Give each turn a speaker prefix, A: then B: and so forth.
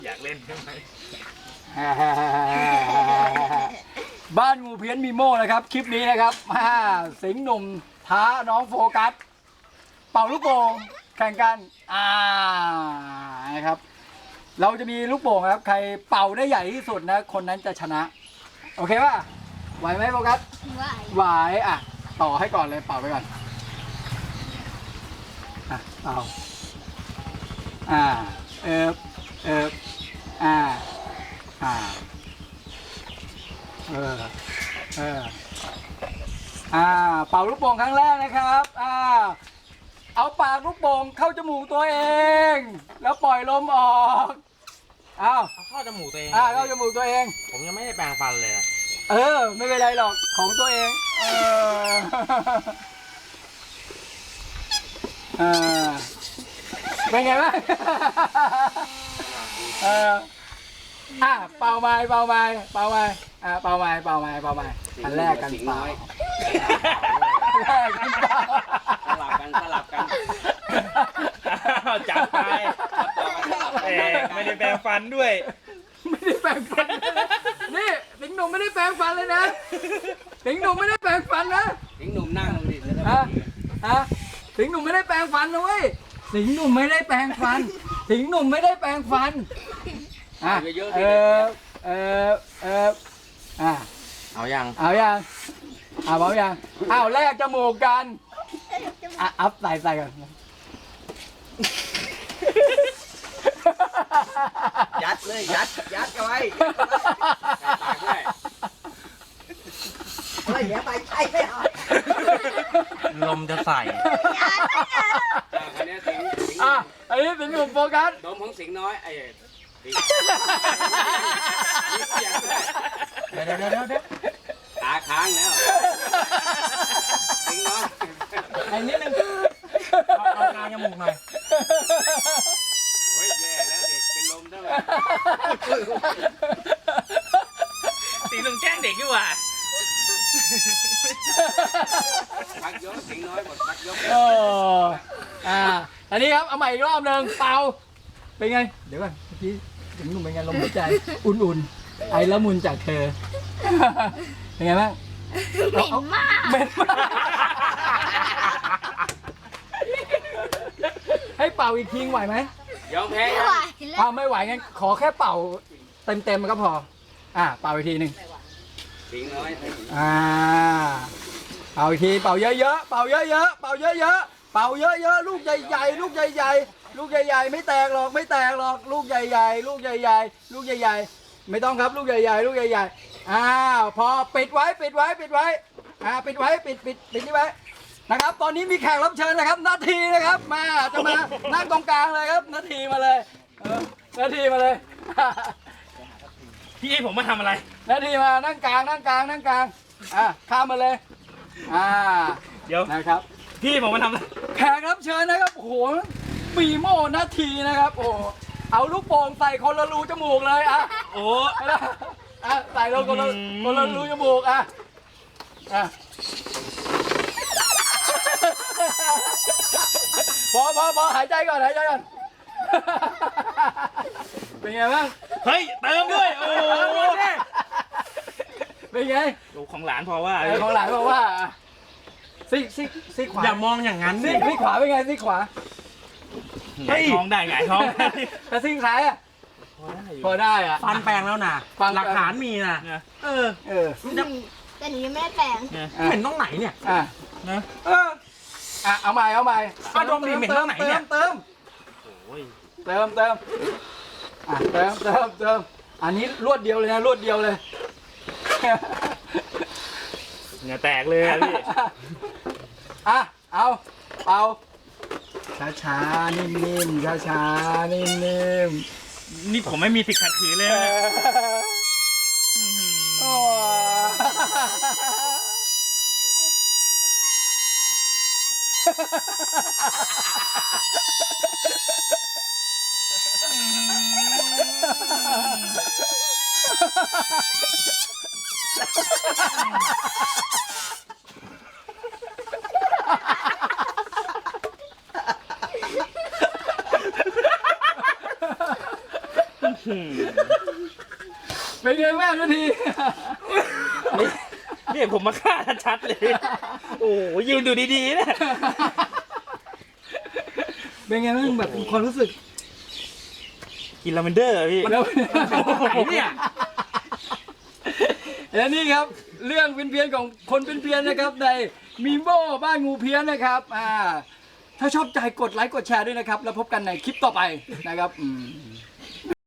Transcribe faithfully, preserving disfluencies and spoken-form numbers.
A: อยากเล่นใช่ไหม
B: บ้านงูเพี้ยนมีโม่นะครับคลิปนี้นะครับสิงห์หนุ่มท้าน้องโฟกัสเป่าลูกโป่งแข่งกันอ่านะครับเราจะมีลูกโป่งครับใครเป่าได้ใหญ่ที่สุดนะคนนั้นจะชนะโอเคป่ะไหวไหมโฟกัสไหวไหวอ่ะต่อให้ก่อนเลยเป่าไปก่อนอ่ะเป่าอ่าเออเอออ่าอ่าเออเอออ่าเป่าลูกโป่งครั้งแรกนะครับอ่าเอาปากลูกโป่งเข้าจมูกตัวเองแล้วปล่อยลมออกอ้าว
A: เอาเข้าจมูกตัวเอง
B: อ่าเข้าจมูกตัวเอง
A: ผมยังไม่ได้แปรงฟันเลยอะ
B: เออไม่เป็นไรหรอกของตัวเองเออเออเป็นไงบ้างเอออ่ะเป่าไม้เป่าไม้เป่าไม้อ่ะเป่าไม้เป่าไม้เป่าไม้อันแรกกันเป่าอันแรกกันเป่า
C: สลับกันสลับกัน
A: จัดไปเอ๊ะไม่ได้แปรงฟันด้วย
B: ไม่ได้แปรงฟันนี่สิงห์หนุ่มไม่ได้แปรงฟันเลยนะสิงห์หนุ่มไม่ได้แปรงฟันนะ
C: ทิ้งหนุ่มนั่งลงดิแล้ว
B: ฮะฮะสิงห์หนุ่มไม่ได้แปรงฟันนะเว้ยสิงห์หนุ่มไม่ได้แปรงฟันสิงห์หนุ่มไม่ได้แปรงฟันอ่ะเออเออเอออ่ะ
C: เอายัง
B: เอายังเอาเอายังเอาแลกจมูกกันอ่ะอัพใส่ใส่กัน
C: ยัดเลยยัดยัดเอาไว้ปากด้วยเฮ้ยอย่าไปใช่ไม่เอา
A: ลมจะใส่
C: อันนี้สิงสิง
B: อ่ะอันนี้สิงห์หนุ่มโฟกัส
C: ดมของสิงน้อยไอ้สิงเดี๋ยวเดี๋ยวเดี๋ยวเดี๋ยวตาค้างแล้วสิงน้อย
A: ไอ้นิดนึงเอาเอากลางจมูกหน่อย
C: โอ้ยแย่แล้วเด็กเป็นลมได้ไหม
A: ตีลุงแกล้งเด็กดีกว่า
C: พักยกสิงน้อยหมดพักยก
B: เอออ่าอันนี้ครับเอาใหม่อีกรอบหนึ่งเป่าเป็นไงเดี๋ยวก่อนเมื่อกี้สิงห์หนุ่มเป็นไงลมหายใจอุ่นๆไอละมุนจากเธอเป็นไงบ้าง
D: เหม็นมาก
B: เหม็นมากให้เป่าอีกทีไหวไหม
C: ยอมแพ้
D: ไม่
C: ยัง
D: ไหวแล้
B: อ้าว วไม่ไหวงั้นขอแค่เป่าเต็มๆก็พออ่าเป่าอีกทีหนึ่ง
C: สิงน้อย
B: อ่าเป่าอีกทีเป่าเยอะๆเป่าเยอะๆเป่าเยอะๆเป่าเยอะๆลูกใหญ่ๆลูกใหญ่ๆลูกใหญ่ๆไม่แตกหรอกไม่แตกหรอกลูกใหญ่ๆลูกใหญ่ๆลูกใหญ่ๆไม่ต้องครับลูกใหญ่ๆลูกใหญ่ๆอ้าวพอปิดไว้ปิดไว้ปิดไว้อ่าปิดไว้ปิดปิดปิดนี่ไว้นะครับตอนนี้มีแขกรับเชิญนะครับนาทีนะครับมาจะมานั่งตรงกลางเลยครับนาทีมาเลยเออนาทีมาเลย
A: พี่ให้ผมมาทำอะไร
B: นาทีมานั่งกลางนั่งกลางนั่งกลางอ่ะข้ามมาเลยอ่า
A: เดี๋ยว
B: นะครับ
A: พี่ผมมาทำอะไร
B: แขกรับเชิญนะครับโอ้โหปีโม่นาทีนะครับโอ้โหเอาลูกโป่งใส่คนละรูจมูกเลยอ่ะ
A: โอ้
B: ไม่ได้อ่ะใส่ลงคนละ
A: อืม
B: คนละรูจมูกอ่ะอ่ะพอพอพอหายใจก่อนหายใจก่อน เป็นไงบ้าง
A: เฮ้ยเติมด้วย โอ้โห
B: เป็นไง
A: ลูกของหลานพอว่า
B: ไอ้ของหลานบอกว่าซีกซีกซีกขวา
A: อย่ามองอย่างนั้น
B: ซี
A: สิ
B: กซีกขวาเป็นไงซีกขวา
A: หงายท้องได้หงายท้องได้
B: แต่ซีกซ้ายอ่ะพอได้อ่ะ
E: ฟันแปลงแล้วนะ
B: ฟันแปลง
E: หลักฐานมีนะ
A: นะ
E: เออ
B: เออ
D: แต่หนูยังไม่ได้แปลง
A: นะ
B: อ่ะ
E: เห็นตรงไหนเนี่ย
B: อ่ะ
A: นะ
E: เออ
B: อ่ะเอาใหม่เอาใหม่
E: อ่ะดมดิเหม็นตรงไหนเนี่ย
B: เติม
A: โอ้ย
B: เติมเติมอ่ะเติมเติมเติมอันนี้รวดเดียวเลยนะรวดเดียวเลย
A: เหงื่อแตกเลยอะพี่
B: อ่ะเอาเอาช้าช้าๆนิ่มๆช้าช้าๆนิ่มๆ
A: นี่ผมไม่มีสิทธิ์ขัดขืนเลย
B: เอ
A: นะ
B: อ
A: อื้อหือ
B: โอ้เป็นไงบ้างนาที
A: นี่นี่ผมมาฆ่าชัดๆเลย โอ้โหยืนดูดีๆนะ
B: เป็นไงบ้างแบบความรู้สึก
A: กินลาเวนเดอร์อะพี่
B: แล้ว
A: ไหนเนี่ย
B: และนี่ครับเรื่องเพี้ยนๆของคนเพี้ยนๆนะครับในมีโม่บ้านงูเพี้ยนนะครับอ่าถ้าชอบใจกดไลค์กดแชร์ด้วยนะครับ แล้วพบกันในคลิปต่อไปนะครับอืม